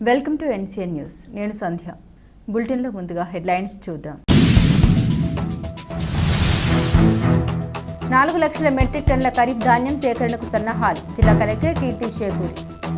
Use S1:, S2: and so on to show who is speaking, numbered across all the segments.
S1: Welcome to NCN news. నేను సంధ్య. బులెటిన్లో ముందుగా హెడ్లైన్స్ చూద్దాం. 4 లక్షల మెట్రిక్ టన్నుల ఖరీఫ్ ధాన్యం సేకరణకు సన్నాహాలు. జిల్లా కలెక్టర్ కీర్తి చేకూరి.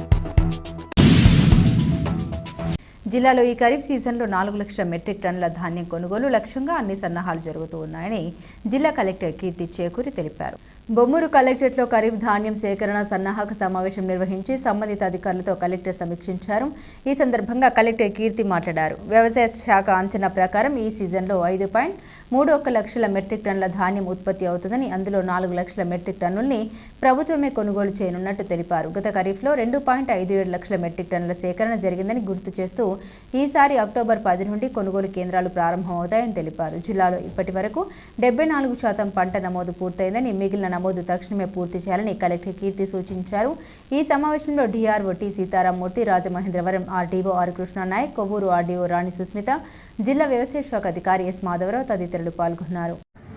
S1: జిల్లాలో ఈ ఖరీఫ్ సీజన్లో 4 లక్షల మెట్రిక్ టన్నుల ధాన్యం కొనుగోలు లక్ష్యంగా అన్ని సన్నాహాలు జరుగుతూ ఉన్నాయని జిల్లా కలెక్టర్ కీర్తి చేకూరి తెలిపారు. బొమ్మూరు కలెక్టరేట్లో ఖరీఫ్ ధాన్యం సేకరణ సన్నాహక సమావేశం నిర్వహించి సంబంధిత అధికారులతో కలెక్టర్ సమీక్షించారు. ఈ సందర్భంగా కలెక్టర్ కీర్తి మాట్లాడారు. వ్యవసాయ శాఖ అంచనా ప్రకారం ఈ సీజన్లో 5.31 లక్షల మెట్రిక్ టన్నుల ధాన్యం ఉత్పత్తి అవుతుందని, అందులో 4 లక్షల మెట్రిక్ టన్నుల్ని ప్రభుత్వమే కొనుగోలు చేయనున్నట్టు తెలిపారు. గత ఖరీఫ్లో 2.57 లక్షల మెట్రిక్ టన్నుల సేకరణ జరిగిందని గుర్తు చేస్తూ ఈసారి అక్టోబర్ 10 నుండి కొనుగోలు కేంద్రాలు ప్రారంభమవుతాయని తెలిపారు. జిల్లాలో ఇప్పటి వరకు 74% పంట నమోదు పూర్తయిందని, మిగిలిన నమోదు తక్షణమే పూర్తి చేయాలని కలెక్టర్ కీర్తి సూచించారు. ఈ సమావేశంలో DRO T Seetharamamurthy, Rajamahendravaram RDO R Krishnanayak, Kovvur RDO Rani Susmitha, జిల్లా వ్యవసాయ శాఖ అధికారి ఎస్ మాధవరావు తదితరులు పాల్గొన్నారు.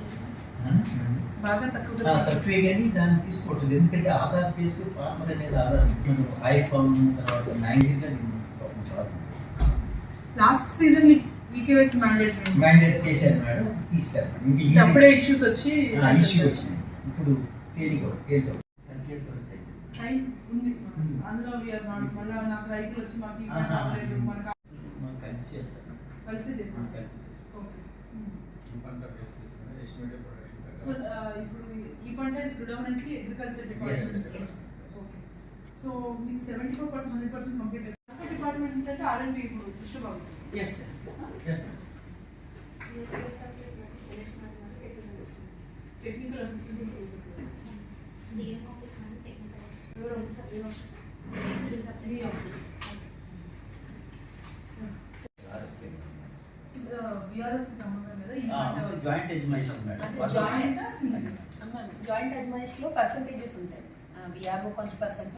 S2: లాస్ట్ సీజన్ ఈకేవైసీ మ్యాండేట్ చేశారు మేడం, తీశారు. అప్పుడే ఇష్యూస్ వచ్చి
S3: ఇప్పుడు
S2: టైం ఉంది అందులో మళ్ళీ నాకు రైతులు వచ్చి మాకు కలిసి చేస్తారు, కలిసి చేస్తారు. సో ఇప్పుడు ఈ పంట ప్రిడామినెంట్లీ అగ్రికల్చర్ డిపార్ట్మెంట్. సో మీకు 74% 100% కంప్లీట్ డిపార్ట్మెంట్ అంటే ఆర్ఎండ్బి ఇప్పుడు విశ్వబాబు. టెక్నికల్ అసిస్టెంట్
S4: జాయింట్ అజ్మాయిష్ లో పర్సంటేజెస్ ఉంటాయి. కొంచెం పర్సెంట్